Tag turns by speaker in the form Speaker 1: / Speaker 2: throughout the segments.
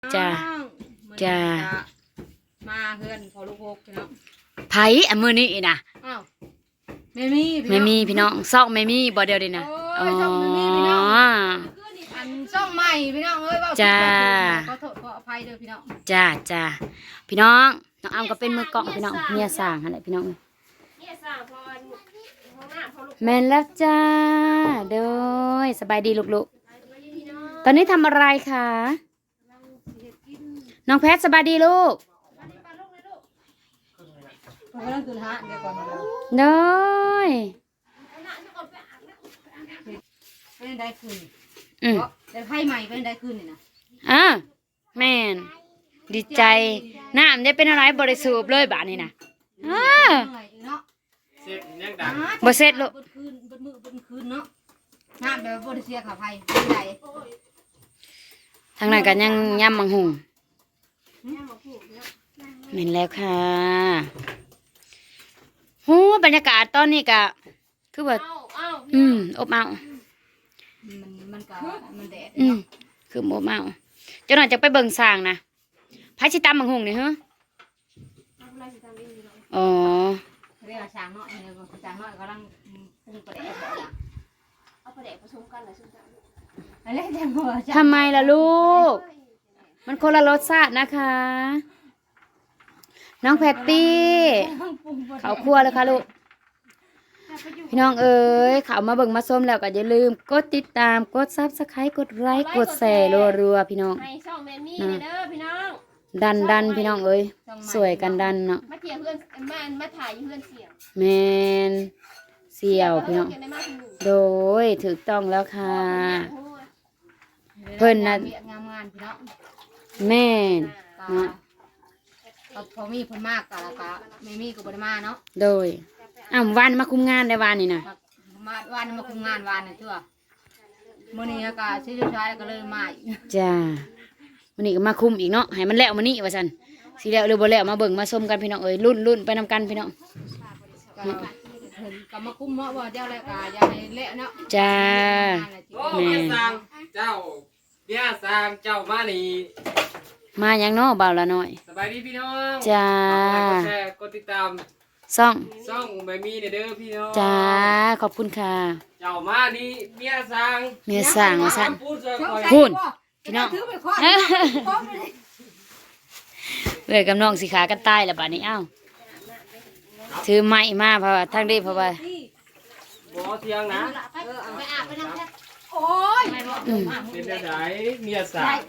Speaker 1: จ้าจ้า
Speaker 2: มาเฮือนพอลูกหกพี่น้อง
Speaker 1: ไผอันมื้อนี้นะ
Speaker 2: อ้าวไม่มี
Speaker 1: พี่น้องซอกไม่มีบ่เดียวดินะ
Speaker 2: อ๋อช่องไม่มีพี่น้องอันช่องใหม่พี่น้องเอ้ยว่า
Speaker 1: จ้า
Speaker 2: ขอโทษขออภัยเด้อพี่น้อง
Speaker 1: จ้าพี่น้องน้องอ้ำก็เป็นมือกล้องพี่น้องเมียสร้างหั่นแหละพี่น้อง
Speaker 2: เนี่ยสร้างพอห้องหน้าพอลูก
Speaker 1: แม่นแล้วจ้าเด้อสบายดีลูกๆตอนนี้ทำอะไรคะน้องแพทสบายดีลูก
Speaker 2: กำลังตื่นฮะเดี๋ยวก่อน
Speaker 1: เด้อ
Speaker 2: เป็นได้คืนแต่ไพ่ใหม่เป็นได้คืนนี่นะ
Speaker 1: แม่นดีใจน้ำได้เป็นอะไรบริสุทธิ์เลยบาทนี่นะ
Speaker 3: เสร็จยังดัง
Speaker 1: บ่เสร็จลูก
Speaker 2: คืนบนมือบนคืนเนาะน้ำแบบบริเสียขาไพ่เป็นไร
Speaker 1: ทางนั้นกันยังย่ำมังหุงเห็นแล้วค่ะหูบรรยากาศตอนนี้กะคือว่าอบเอา
Speaker 2: มันก็มันแดด
Speaker 1: คืออบเอาเจ้าหน่อยจะไปเบิ่งสร้างนะพายชิตามมังหุงนี่ฮะอ๋อ
Speaker 2: เรียกช้างน้อยเนี่ยช้างน้อยกำลังปรุงประเดี๋ยวบอกเอาประเดี๋ยวผสมกันเลยอะไรจังหัว
Speaker 1: ทำไมล่ะลูกมันคนละรสชาตินะคะน้องแพตตี้เขาครัวเลยค่ะลูกพี่น้องเอ๋ยเขามาเบิ่งมาส้มแล้วก็อย่าลืมกดติดตามกดซับสไครต์กดไลค์กดแชร์รัวๆพี่น้องดันพี่น้องเอ๋ยสวยกันดันเนาะ
Speaker 2: มาเที่ยวเพื่อนมาถ่ายเพื่อนเสี่ยว
Speaker 1: แมนเสี่ยวพี่น้องโดยถูกต้องแล้วค่ะเพิ่นน่ะ
Speaker 2: งามพี่น้อง
Speaker 1: แม่น
Speaker 2: พอมีคนมากกะแล้วก็ไม่มีก็บ่ได้มาเนาะ
Speaker 1: โดยวันมาคุมงานได้วันนี่นะ
Speaker 2: วันมาคุมงานวันนี่ตัวมื้อนี้ก็สิสุดท้ายก็เลยมา
Speaker 1: จ้ามื้อนี้ก็มาคุมอีกเนาะให้มันแล้วมื้อนี้ว่าซั่นสิแล้วหรือบ่แล้วมาเบิ่งมาชมกันพี่น้องเอ้ยรุ่นไปนำกันพี่น้อง
Speaker 2: ก็มาคุมเนาะว่าเดี๋ยวแล้วก็อย่าให้เละเนาะ
Speaker 1: จ้า
Speaker 3: แม่สร้างเจ้าเดี๋ยวสร้างเจ้ามานี่
Speaker 1: มายังเนาะบ่าวละน้อย
Speaker 3: สบายดีพี่น้อง
Speaker 1: จ้าก
Speaker 3: ดแชร์กดติดตาม
Speaker 1: ซ่
Speaker 3: องไม่มีเด้อพี่น้อง
Speaker 1: จ้าขอบคุณค่ะ
Speaker 3: เจ้ามานี่เมียสร้าง
Speaker 1: ว่าซั่นพูดพี่น้องเลยกับน้องสิขากันตายแล้วบัดนี้ถือไม้มาเพราะว่าทางนี้เพราะว่า
Speaker 3: บ่เที่ยงนะ
Speaker 2: ไปอาบไปนั่งแค่โอ้ย
Speaker 3: เป็นจังได๋เมียสร้าง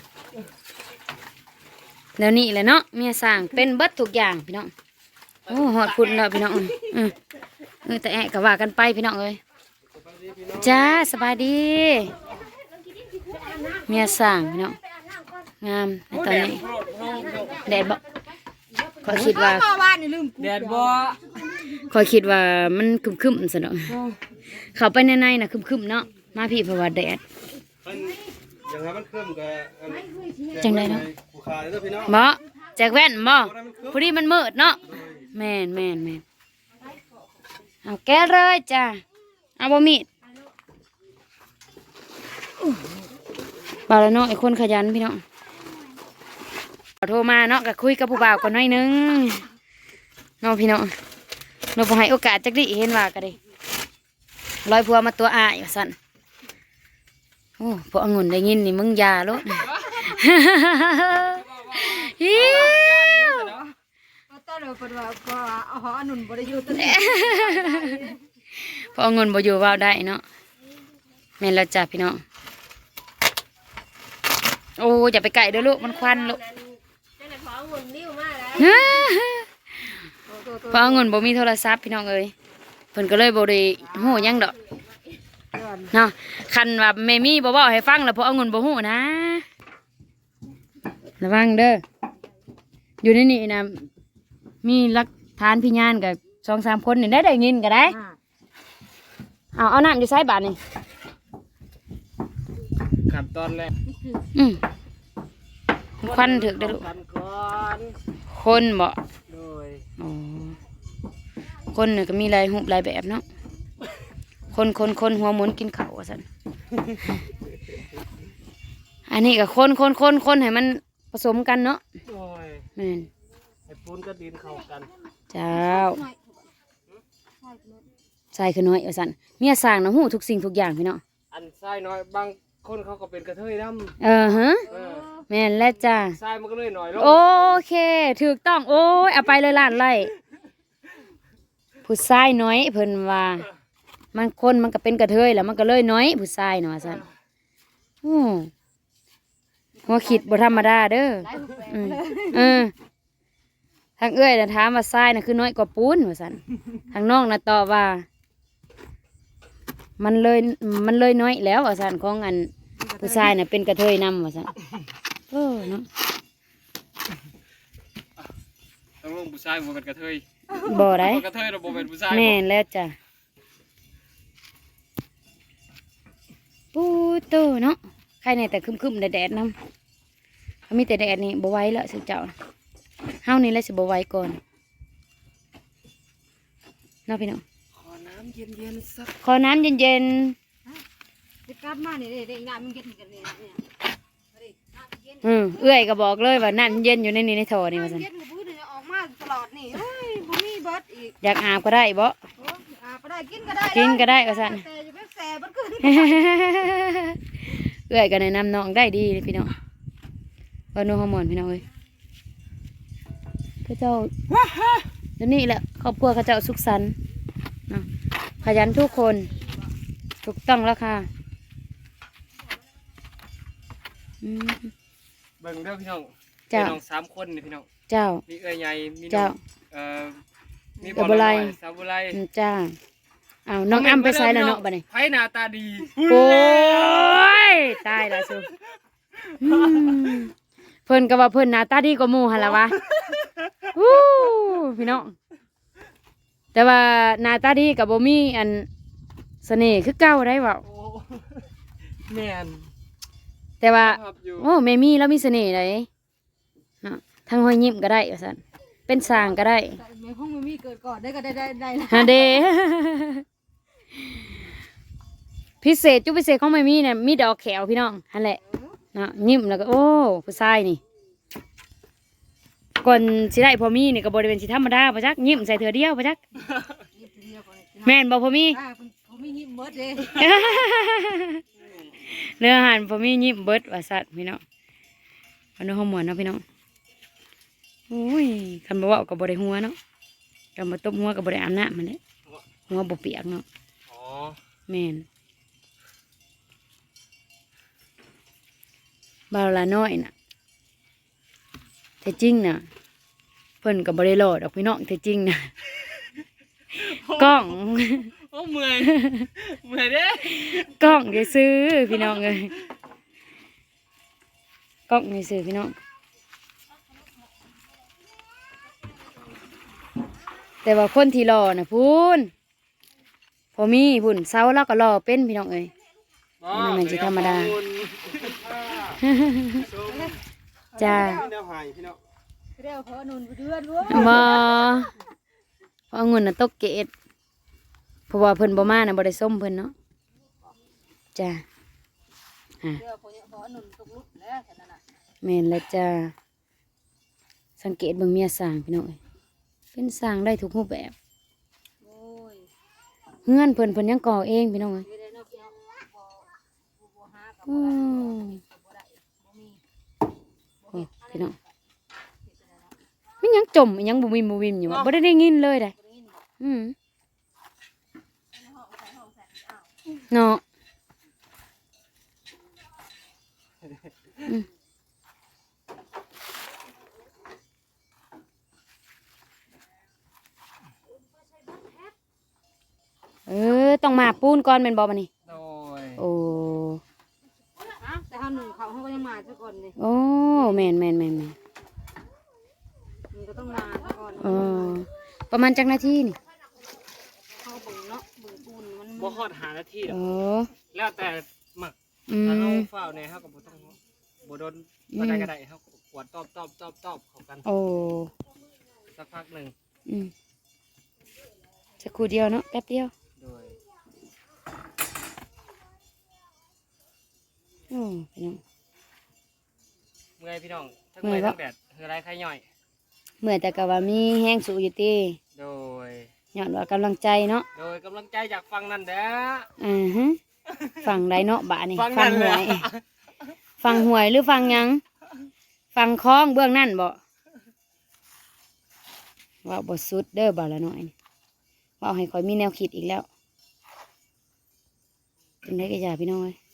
Speaker 1: แล้วนี่แหละเนาะเมียสร้างเป็นเบิดทุกอย่างพี่น้องโอ้หอดคุณแล้วพี่น้องแต่แอะก็ว่ากันไปพี่น้องเอ้ยจ้าสบายดีเมียสร้างพี่น้องงามในตอนนี้แดดบ่ขอคิดว่า
Speaker 3: แดดบ่
Speaker 1: ขอคิดว่ามันคึมๆซะเนาะเข้าไปในน่ะคึมๆเนาะมาพี่เพราะว่าแดด
Speaker 3: อย่างนั้นมันคึมก็
Speaker 1: จังได๋เนาะบ่แจกแว่นบ่พอดีมันมืดเนาะแม่นเอาแก้เลยจ้าเอาบ่มีดบ่าวละเนาะไอ้คนขยันพี่น้องโทรมาเนาะก็คุยกับผู้บ่าวก่อนหน่อยนึงเนาะพี่น้องเราบ่ให้โอกาสจักดิเห็นว่าก็ได้ร้อยพัวมาตัวอ้ายว่าซั่นโอ้พวกองุ่นได้ยินนี่มึงอย่าโลดพอเงินบ่อยู่ว่าได้เนาะแม่นแล้วจ้ะพี่น้องโอ้อย่าไปไก่เด้อลูกมันควันลูกพอเงินบ่มีโทรศัพท์พี่น้องเอ้ยเพิ่นก็เลยบ่ได้ฮู้หยังดอกเนาะคันว่าแม่มีบ่เว้าให้ฟังแล้วพอเงินบ่ฮู้นะระวังเด้ออยู่ในนี่นะมีหลักฐานพยานกับ2-3 คนนี่ได้ยินก็ได้เอาน้ำอยู่ไสบาดนี่
Speaker 3: ขั้นตอนแรก
Speaker 1: ควันถึกได้ลูกคนบ่คนเนี่ยก็มีหลายรูปหลายแบบเนาะคนหัวหมุนกินข้าวว่าซั่นอันนี้ก็คนให้มันสมกันเนาะ
Speaker 3: โอ้ย
Speaker 1: แม่น
Speaker 3: ไอ้ปูนก็ดินเข้ากัน
Speaker 1: เจ้าใส่ขึ้นน้อยว่าซั่นเมียสร้างน่ะฮู้ทุกสิ่งทุกอย่างพี่น้อง
Speaker 3: อันทรายน้อยบางคนเขาก็เป็นกระเทยดำ
Speaker 1: ฮะ
Speaker 3: เออ
Speaker 1: แม่นแล้วจ้า
Speaker 3: ทรายมันก็เลยหน่อยลง
Speaker 1: โอเคถูกต้องโอ้ยเอาไปเลยล้านไร่ผู้ชายน้อยเพิ่นว่ามันคนมันก็เป็นกระเทยแล้วมันก็เลยน้อยผู้ชายเนาะว่าซั่นหัวคิดบ่ธรรมดาเด้อ
Speaker 2: หลายรูปแบบ
Speaker 1: อืม
Speaker 2: เลย
Speaker 1: เออทางเอ้ยน่ะถามว่าทรายน่ะคือน้อยกว่าปูนว่าซั่นทางน้องน่ะตอบว่า มันเลยน้อยแล้วว่าซั่นของอันผู้ชายน่ะเป็นกระเทยนำว่าซั่นเนาะ
Speaker 3: ต้องลงผู้ชายบ่เป็นกระเทย
Speaker 1: บ่ได้
Speaker 3: บ่กระเทยเราบ่เป็นผู้ชาย
Speaker 1: แม่นแล้วจ้ะปูโตเนาะใครในแต่คึมๆแดดๆนำมีแต่แดดนี่บ่ไหวแล้วสิเจ้าเฮานี่แหละสิบ่ไหวก่อนเนาะพี่น้อง
Speaker 3: ขอน้ำเย็นๆสัก
Speaker 1: ขอน้ำเย็น
Speaker 2: จะกลับมานี่เด้งานมันเย็นกันนี่เนี่ย
Speaker 1: ๆเอื้อยก็บอกเลยว่าน้ำเย็นอยู่ในนี้ในท่อนี่ว่าซั่น
Speaker 2: เย็นกับพื้นเนี่ยออกมาตลอดนี่เฮ้ยบ่มีเบิดอีก
Speaker 1: อยากอาบก็ได้บ่
Speaker 2: โอ้อาบก็ได้กินก็ได้
Speaker 1: กินก็ได้ว่าซั่น
Speaker 2: แต่จะไปแซ่บัดขึ้น
Speaker 1: เอื้อยก็แนะนำน้องได้ดีเลยพี่น้องว่านัวฮอร์โมนพี่น้องเอ้ยพระเจ้าเดี๋ยวนี้แหละครอบครัวเขาเจ้าสุขสันต์เนาะขยันทุกคนถูกต้องแล้วค่ะอืม
Speaker 3: เบิ่งเด้อพี่น้อง
Speaker 1: เจ้า
Speaker 3: พี่น้อง3คนนี่พี่น้อง
Speaker 1: เจ้า
Speaker 3: มีเอ้ยใหญ่มีน้
Speaker 1: เจ้า
Speaker 3: องมี
Speaker 1: เอ้ยบ่ไร
Speaker 3: สาวบ่ไร
Speaker 1: จ้าเอาน้องอ้ำไปใส่แล้วเนาะบัดนี้
Speaker 3: ไผหน้าตาดี
Speaker 1: โอ้ยตายละสุอืมเพิ่นก็ว่าเพิ่นหน้าตาดีกว่าหมู่หั่นล่ะวะอู้พี่น้องแต่ว่าหน้าตาดีก็บ่มีอันเสน่ห์คือเก่าได้เว้า
Speaker 3: โอ้แม่น
Speaker 1: แต่ว่า
Speaker 3: ครับอยู่
Speaker 1: โอ้แม่มีแล้วมีเสน่ห์ได้เนาะทั้งห้อยยิ้มก็ได้ว่าซั่นเป็นสร้างก็ได้
Speaker 2: แต่ในห้องมันมีเกิดก่อนได้ก็ได้นะ
Speaker 1: ฮะเด พิเศษจุดพิเศษของแม่มีเนี่ยมีดอกแขวพี่น้องนั่นแหละเนาะยิ้มแล้วก็โอ้ผู้ชายนี่ก่อนสิได้พอมีนี่ก็บ่ได้เป็นสิธรรมดาบ่จักยิ้มใส่เถื่อเดียวบ่จัก
Speaker 2: ยิบเดียวก่อน
Speaker 1: แม่นบ่พอมี
Speaker 2: ผมมีหิมเบิดเลย
Speaker 1: เนื้ออาหารพอมียิ้มเบิดว่าสัตว์พี่น้องวันนี้ห้องหมวนเนาะพี่น้องโอ้ยคันบ่เว้าก็บ่ได้หัวเนาะคันบ่ตบหัวก็บ่ได้อาบน้ำมันแหละหัวบ่เปียกเนาะ
Speaker 3: อ๋อ
Speaker 1: แม่นบ่าวละน้อยน่ะแต่จริงน่ะเพิ่นก็บ่ได้รอดอกพี่น้องแต่จริงน่ะกล้อง
Speaker 3: โอ้เมื่อยเมื่อยเด้
Speaker 1: กล้องได้ซื้อพี่น้องเอ้ยกล้องได้ซื้อพี่น้องแต่ว่าคนที่รอน่ะพูนพอมีพุ่นเสาแล้วก็รอเป็นพี่น้องเอ้ย มันเหมือนสิธรรมดา จ้า
Speaker 3: เดี๋ยวหายพี่น้อง
Speaker 2: เรียวเพอนุนเดือนเว้ย
Speaker 1: บ่เพราะองุ่นน่ะตกเกตเพราะว่าเพิ่นบ่มาน่ะบ่ได้ส้มเพิ่นเนาะจ้า
Speaker 2: เรียวเพอนุนตกลุกแล้วแค่นั้นน่ะ
Speaker 1: แม่นแล้วจ้าสังเกตเบิ่งเมียสร้างพี่น้องเอ้ยเป็นสร้างได้ทุกรูปแบบ
Speaker 2: โอ้ย
Speaker 1: เฮือนเพิ่นยังก่อเองพี่น้องเอ้ย
Speaker 2: เดี๋ยวเนาะพี่น้องบ่หากับ
Speaker 1: อืม
Speaker 2: บ่ได้บ่มี
Speaker 1: โอ้พี่น้องมันยังจมมันยังบ่วิมอยู่ว่ะบ่ได้ยินเลยได้อืมเนาะอืมต้องมาปูนก่อนแม่นบ่บัดนี้
Speaker 3: โดย
Speaker 1: โอ้
Speaker 2: แต่เฮาหนึ่งเขาก็ยังมาซะก่อนเลย
Speaker 1: โอ้แม่น
Speaker 2: มันก็ต้องมาซะก่อน
Speaker 1: เออประมาณจักนาทีนี่
Speaker 2: เขาเบิ่งเนาะเบิ่งปูนมัน
Speaker 3: บ่ฮอดหานาทีหร
Speaker 1: โอ้
Speaker 3: อกแล้วแต่หมัก
Speaker 1: อื
Speaker 3: ถ้าเรา
Speaker 1: ม
Speaker 3: เฝ้าเนี่ยเขาก็บ่ต้องบ่โดนบ่ได้ก็ได้เขาก็กวดตอบเข้ากัน
Speaker 1: โอ้
Speaker 3: สักพักหนึง
Speaker 1: อืมสักครู่เดียวเนาะแป๊บเดียว
Speaker 3: โดย
Speaker 1: โอ้พี่น้อง
Speaker 3: มื้มื่อยพี่น้องทั้งเมื่อยทั้งแดดเฮือไรใครย่อย
Speaker 1: เมื่อแต่ก็ว่ามีแห้งสูอยู่ติ
Speaker 3: โดย
Speaker 1: ย้อนว่ากำลังใจเนาะ
Speaker 3: โดยกำลังใจจากฟังนั่นเด้อ
Speaker 1: ฮะฟังได้เนาะบะนี่
Speaker 3: ฟัง
Speaker 1: ฟั
Speaker 3: นั่น
Speaker 1: ห
Speaker 3: เล
Speaker 1: วย ย ฟังหวยหรือฟังหยัง ฟังคล้องเบื้องนั่นบ่ว่าบ่สุดเด้อบ่ละน้อยนี่ว่าให้คอยมีแนวคิดอีกแล้วเป็นได้ก็อย่าพี่น้องเอ้ย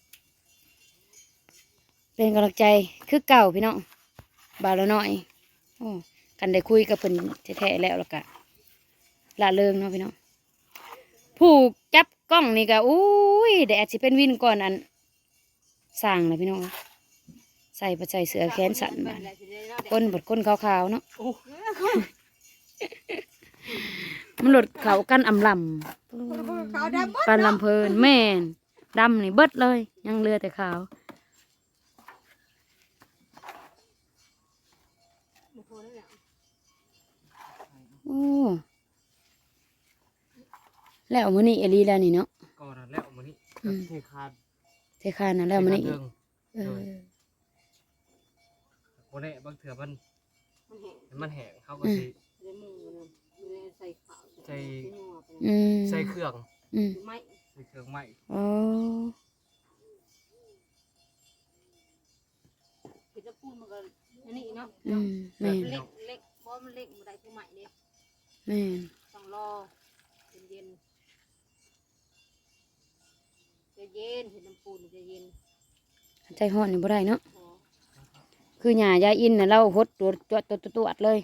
Speaker 1: เป็นกำลังใจคือเก่าพี่น้องบ่าวละน้อยโอ้กันได้คุยกับเพิ่นแท้ๆแล้วก็ละเริงเนาะพี่น้องผู้จับกล้องนี่ก็อุ้ยแดดสิเป็นวินก่อนอันสร้างเลยพี่น้องใส่ไปใส่เสื้อแขนสั้นมาก้นบดก้นขาวๆเนาะ
Speaker 3: โอ้
Speaker 1: มันหลดเขากันอำล
Speaker 2: ขาวดำ
Speaker 1: ำปันลำเพลินแม่นดำนี่เบิดเลย ยังเหลือแต่ขาวโอ้แล้วมื้อนี้เอลีแล้วนี่เนาะ
Speaker 3: ก่อนแล้วมื้อนี้
Speaker 1: อืม
Speaker 3: เทคาน
Speaker 1: เทคานนะแล้วมื้อนี้
Speaker 3: เรื่อง
Speaker 1: เออ
Speaker 3: บ่ได้บางเถื่อมัน
Speaker 2: มันแห้ง
Speaker 3: มันแห้งเขาก็สิ
Speaker 2: ในมือนะใส่ขาว
Speaker 3: ใส่
Speaker 1: อืม
Speaker 3: ใส่เครื่อง
Speaker 1: อืม
Speaker 2: ไม่
Speaker 3: ใส่เครื่องไหม้
Speaker 1: โอ้
Speaker 2: เห็ดปูนมันก็อันนี้เนาะ
Speaker 1: อืมแม่น
Speaker 2: เล็กเล็กเพราะมันเล็กมันได้ผู้ใหม่เนี่ย
Speaker 1: แม่น
Speaker 2: ต้องรอเย็นจะเย็นเห็ดน้ำปูนจะเย็น
Speaker 1: ใจฮ้อนนี่บ่ได้เนาะ
Speaker 2: พอ
Speaker 1: คือหญ้ายายอินน่ะเราหดตัวดเลย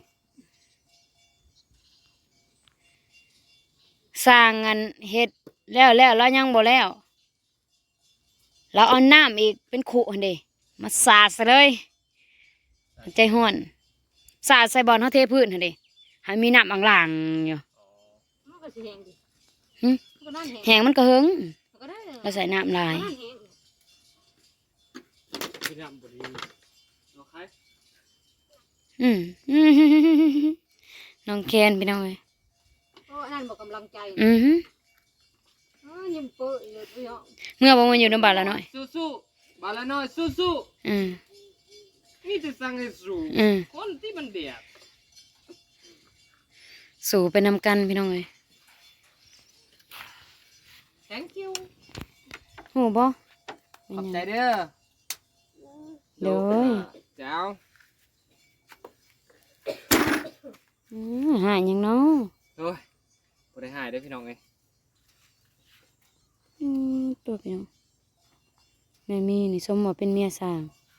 Speaker 1: สร้างงานเฮ็ดแล้วแล้วยังบ่แล้วเราเอาน้ำอีกเป็นขุหั่นเด้มาสาดซะเลยใจฮ้อนสาดใส่บอลเฮาเทพื้นหั่นเด้ให้มีน้ำอ่างๆอยู่
Speaker 2: มันก็สิแห้งดิ
Speaker 1: หึ
Speaker 2: มันก็นั่นแห้ง
Speaker 1: แห้งมันก็หึง
Speaker 2: มันก็ได้เลย
Speaker 1: เราใส่น้ำลาย
Speaker 2: มันนั่นแห้ง
Speaker 3: พี่น้ำบ่ดีโอเค
Speaker 1: อืม น้องแคนพี่น้องเอ้ย
Speaker 2: เพราะอันนั่นบอกกำลังใจ
Speaker 1: อือหือ
Speaker 2: ยิ้มเปื่อยเลยพี่น้อง
Speaker 1: เมื่อบ่มาอยู่นำบ้านละน้อย
Speaker 3: สู้ๆบาละน้อยสู้
Speaker 1: อืม
Speaker 3: ๆนี่จะสั่งให้สู้
Speaker 1: อืม
Speaker 3: คนที่มันเดียด
Speaker 1: สู่ไปนำกันพี่น้องเอ้ย
Speaker 3: thank you
Speaker 1: โหบ่
Speaker 3: ขอบใจเด้อ
Speaker 1: เด้อ
Speaker 3: เจ้า
Speaker 1: หายหยังเนาะ
Speaker 3: โอ้ยบ่ได้หายเด้อพี่น้องเอ้ย
Speaker 1: ตัวพี่น้องแม่มีนี่สมว่าเป็นเมียสร้าง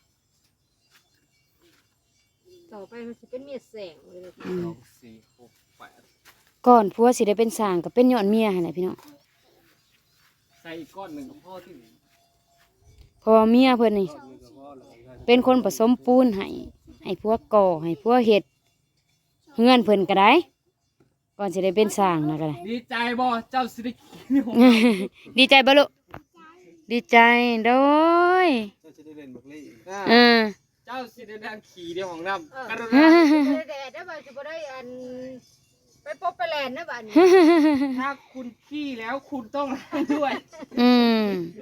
Speaker 2: ต่อไปมันจะเป็นเมียแสงเลย
Speaker 1: อืม
Speaker 3: 2 4 6 8
Speaker 1: ก่อนผัวสิได้เป็นสร้างก็เป็นย้อนเมียหั่นแหละพี่น้อง
Speaker 3: ใส่อีกก้อนหนึ่งกับพ่อที่
Speaker 1: เพราะว่าเมียเพิ่นนี่เป็นคนผสมปูนให้ผัวก่อให้ผัวเฮ็ดเฮือนเพิ่นก็ได้ ก่อนสิได้เป็นสร้างนะก็ได้
Speaker 3: ดีใจบ่เจ้าสิได้กินของ
Speaker 1: ดีใจบ่ลูกดีใจโดย
Speaker 3: เจ้าสิได้เล่นบักลี่
Speaker 1: เออ
Speaker 3: เจ้าสิได้ดังขี่เดียวของน้ำกรุ
Speaker 2: แด
Speaker 3: ณา
Speaker 2: ดได้บ่จะบ่ได้อันไปปบไปแลนนะบ้าน
Speaker 3: ถ้าคุณขี้แล้วคุณต้องล้างด้วย
Speaker 1: อืม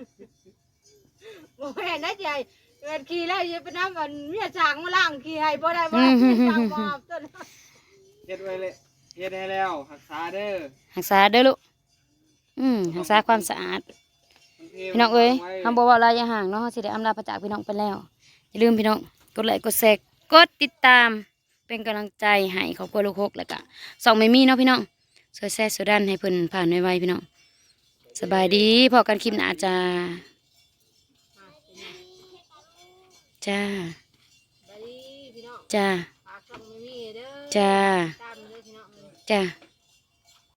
Speaker 2: บ่แม่นนะยายเกิดขี่แล้วอย่าไปน้ำมันเมียช้างมาล้างขี่ให้บ่ได้บ่ได้เมียช้างมาต้น
Speaker 3: เฮ็ดไว้เลยเฮ็ดให้แล้วรักษาเด้อ
Speaker 1: รักษาเด้อลูกรักษาความสะอาด พี่น้องเอ้ยคำบอกว่าลายอย่าห่างเนาะเราสิได้อำลาพระจากพี่น้องไปแล้ว อย่าลืมพี่น้องกดไลค์กดแชร์กดติดตาม เป็นกำลังใจให้ครอบครัวลูกหกแล้วก็ส่องไม่มีเนาะพี่น้องช่วยแชร์ช่วยดันให้เพิ่นผ่านไวๆพี่น้องสบายดีพอกันคลิปหน้าจ้าจ้า
Speaker 2: ไปดิพี่น้อง
Speaker 1: จ้า
Speaker 2: ฝากช่องไม่มีเด้อ
Speaker 1: จ้า
Speaker 2: ตามเด้อพี่น้อง
Speaker 1: จ้า